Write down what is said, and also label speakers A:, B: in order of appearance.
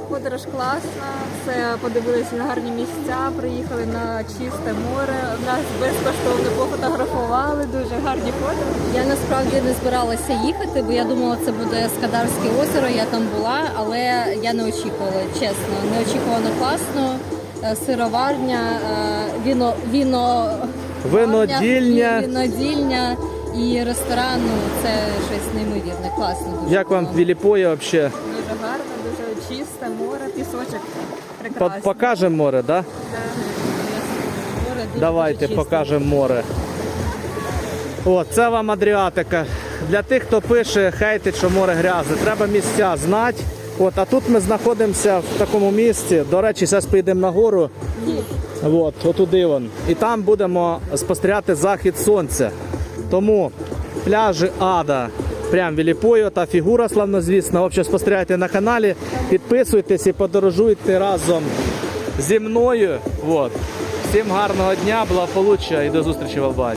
A: Подорож класна, все подивилися на гарні місця, приїхали на чисте море, нас безкоштовно пофотографували, дуже гарні фото.
B: Я насправді не збиралася їхати, бо я думала, це буде Скадарське озеро, я там була, але я не очікувала, чесно. Неочікувано класно, сироварня, винодільня і ресторан, ну, це щось неймовірне, класно. Дуже
C: Як вам Віліпоє взагалі?
A: Дуже гарно, дуже чисте море, пісочок прекрасний.
C: Покажемо море, так? Да?
B: Море дуже
C: Давайте
B: чисте.
C: покажемо море. О, це вам Адріатика. Для тих, хто пише, хейтить, що море грязне, треба місця знати. От, а тут ми знаходимося в такому місці. До речі, зараз поїдемо на гору. От, отуди вон. І там будемо спостерігати захід сонця. Тому пляжі Ада, прям Віліпою та фігура славнозвісна. Взагалі спостерігайте на каналі, підписуйтесь і подорожуйте разом зі мною. От. Всім гарного дня, благополуччя і до зустрічі в Албанії.